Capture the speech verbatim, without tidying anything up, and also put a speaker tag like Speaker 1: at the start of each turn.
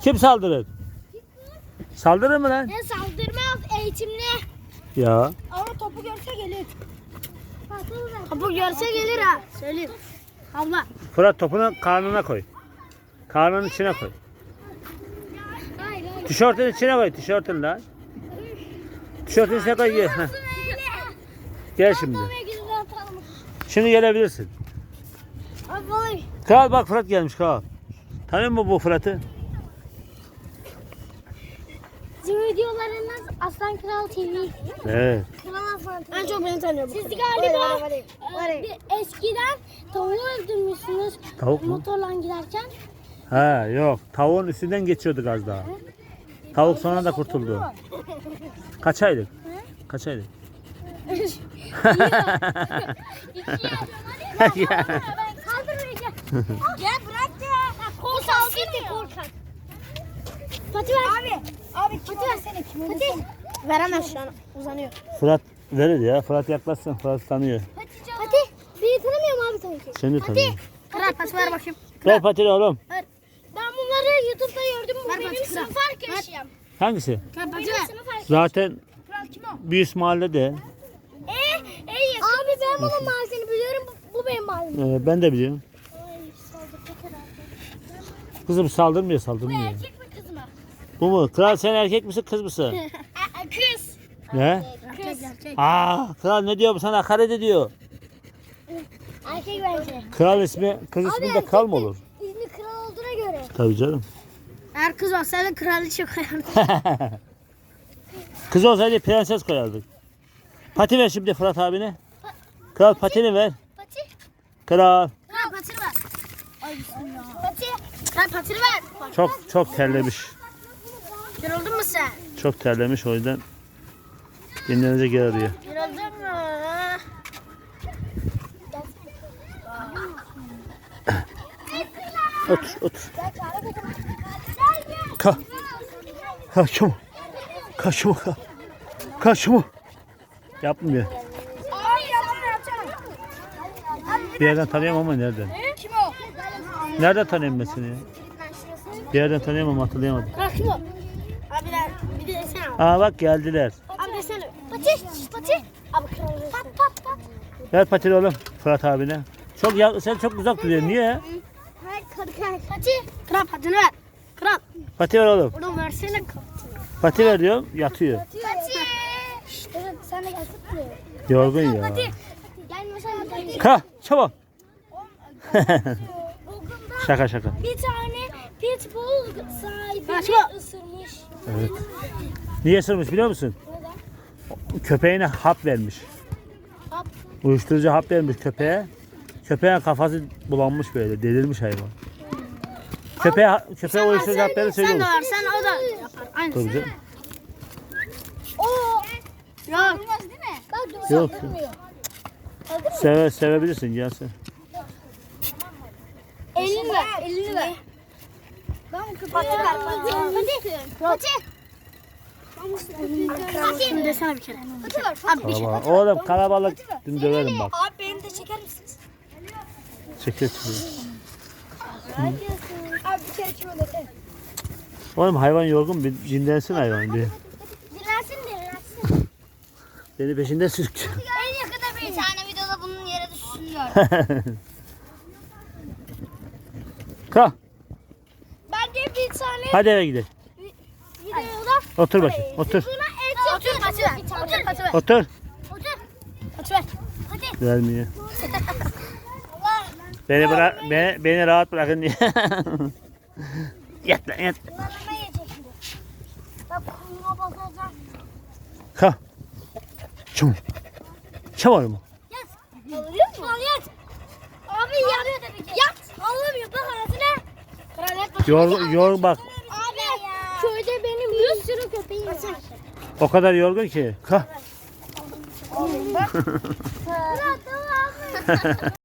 Speaker 1: Kim saldırır? Saldırır mı lan?
Speaker 2: Ne saldırmaz, eğitimli.
Speaker 1: Ya.
Speaker 2: Ama topu görse gelir. Topu görse gelir ha. Söyleyeyim. Abla.
Speaker 1: Fırat topunu karnına koy. Karnının içine koy.
Speaker 2: Hayır hayır.
Speaker 1: Tişörtün içine koy. Tişörtün lan. Tişörtün içine koy. Gel, Heh. Gel şimdi. Şimdi gelebilirsin.
Speaker 2: Abi.
Speaker 1: Kral bak Fırat gelmiş kral. Tanıyor musun bu Fırat'ı?
Speaker 2: Bizim videolarınız Aslan Kral T V.
Speaker 1: Evet.
Speaker 2: Kral Aslan T V. En çok beni tanıyorum. Siz galiba e, bir eskiden tavuğu öldürmüşsünüz.
Speaker 1: Tavuk mu?
Speaker 2: Motorla giderken.
Speaker 1: Ha yok. Tavuğun üstünden geçiyorduk az daha. Tavuk sonra da kurtuldu. Kaç aylık? Kaç aylık?
Speaker 2: İki ya. Ben kaldırmayacağım. Gel bırak ya. Korkak gitti korkak. Fatih ver. Abi. Abi kim versene kim Fatih. Veremez şu an uzanıyor.
Speaker 1: Fırat verir ya. Fırat yaklaşsın. Fırat tanıyor.
Speaker 2: Fatih. Beni tanımıyorum abi tabii ki.
Speaker 1: Seni de tanıyor.
Speaker 2: Kral pas ver bakayım.
Speaker 1: Ver patini oğlum.
Speaker 2: Ben bunları YouTube'da gördüm. Bu benim sınıf arkadaşım.
Speaker 1: Hangisi?
Speaker 2: Benim sınıf arkadaşım.
Speaker 1: Zaten
Speaker 2: Kral kim o?
Speaker 1: bir üst mahallede.
Speaker 2: Ee, ee, abi ben bunun mahallesini biliyorum. Bu, bu benim mahallem.
Speaker 1: Ee, ben de biliyorum.
Speaker 2: Ay saldıracak herhalde.
Speaker 1: Kızım saldırmıyor
Speaker 2: Bu
Speaker 1: saldırmıyor.
Speaker 2: erkek mi kız mı?
Speaker 1: Bu mu? Kral sen erkek misin kız mısın?
Speaker 2: Aa, kız.
Speaker 1: Ne?
Speaker 2: Kız. Erkek.
Speaker 1: Aa, kral ne diyor bu sana? Hakaret ediyor.
Speaker 2: Erkek bence.
Speaker 1: Kral ismi, kız ismi de kral mı olur?
Speaker 2: İzni kral olduğuna göre.
Speaker 1: Tabii canım.
Speaker 2: Eğer kız olsaydı kraliçe koyardı.
Speaker 1: Kız olsaydı prenses koyardık. Pati ver şimdi Fırat abine. Kral patini ver.
Speaker 2: Pati.
Speaker 1: Kral.
Speaker 2: Kral patini ver. Ay bismillah. Pati. Kral patini ver.
Speaker 1: Çok çok terlemiş.
Speaker 2: Yoruldun mu sen?
Speaker 1: Çok terlemiş o yüzden dinlenecek yer arıyor.
Speaker 2: Yoruldun mu?
Speaker 1: Otur otur. Ka. Kaçma. Kaçma. Kaçma. Yapmıyor.
Speaker 2: Ay yalan yapacağım.
Speaker 1: Bir yerden tanıyorum ama nereden?
Speaker 2: Kim o?
Speaker 1: Nereden tanıyorum ben seni ya? Bir yerden tanıyorum ama hatırlayamadım.
Speaker 2: Kral kim o? Abiler bir de sen al.
Speaker 1: Aa bak geldiler.
Speaker 2: Abi desene. Pati. Pati. Abi kral. Pat pat pat.
Speaker 1: Ver patini oğlum Fırat abine. Çok ya, sen çok uzak duruyorsun. Niye?
Speaker 2: Hayır kral. Pati. Kral patini ver. Kral.
Speaker 1: Pati ver oğlum.
Speaker 2: Onu versene.
Speaker 1: Pati ver diyorum yatıyor.
Speaker 2: Pati. Evet sen de gelsin buraya.
Speaker 1: Yorgun ya.
Speaker 2: Pati. Gelmesen Pati.
Speaker 1: Ka çabuk. Şaka şaka.
Speaker 2: Bir tane pitbull sahibini ısırmış.
Speaker 1: Evet. Niye ısırmış biliyor musun?
Speaker 2: Neden?
Speaker 1: Köpeğine hap vermiş.
Speaker 2: Hap.
Speaker 1: Uyuşturucu hap vermiş köpeğe. Köpeğin kafası bulanmış böyle. Delirmiş hayvan. Köpeğe, köpeğe uyuşturucu hap verir
Speaker 2: Sen de
Speaker 1: söylüyor.
Speaker 2: versen o da yapar. Aynı.
Speaker 1: Tabii canım.
Speaker 2: Oo. Yok. Olmaz değil mi? Bak
Speaker 1: Yok.
Speaker 2: saldırmıyor.
Speaker 1: Seve, sevebilirsin gelsin.
Speaker 2: Elini ver. Elini ver. Ben bu köpeği ver. Pati. Pati. Şimdi desene bir kere. Pati ver. Abi bir
Speaker 1: Kalabalık. Oğlum kalabalık. Dün döverim bak.
Speaker 2: Abi beni de çeker misiniz?
Speaker 1: Çekil çekil.
Speaker 2: Abi bir kere kim öyle?
Speaker 1: Oğlum hayvan yorgun. Bir dinlensin hayvan bir.
Speaker 2: Dinlensin dinlensin.
Speaker 1: Beni peşinden sürüklüyor.
Speaker 2: En yakında bir tane videoda bunun yere düşürüyor.
Speaker 1: Ka.
Speaker 2: Ben de bir tane
Speaker 1: Hadi eve gidelim.
Speaker 2: videoda
Speaker 1: Otur bakayım. Otur.
Speaker 2: buna et otur pati ver. Otur pati ver.
Speaker 1: Otur.
Speaker 2: Otur. Pati ver. Pati.
Speaker 1: Vermiyor.
Speaker 2: Allah.
Speaker 1: Beni bırak, beni, beni rahat bırakın diye. Yat lan yat.
Speaker 2: Bunlar ne yiyecek şimdi? Bak kumuna basacağım.
Speaker 1: Ka. Çum. Çabuk mu?
Speaker 2: Yat. Alıyor mu? Al yat. Abi yat. Yat. Anlamıyor. Bak ağzına. Kraliyet bak.
Speaker 1: Yor, yor bak.
Speaker 2: Abi köyde benim bir sürü köpeğim var.
Speaker 1: O kadar yorgun ki. Ka.
Speaker 2: Bak. Ya tamam.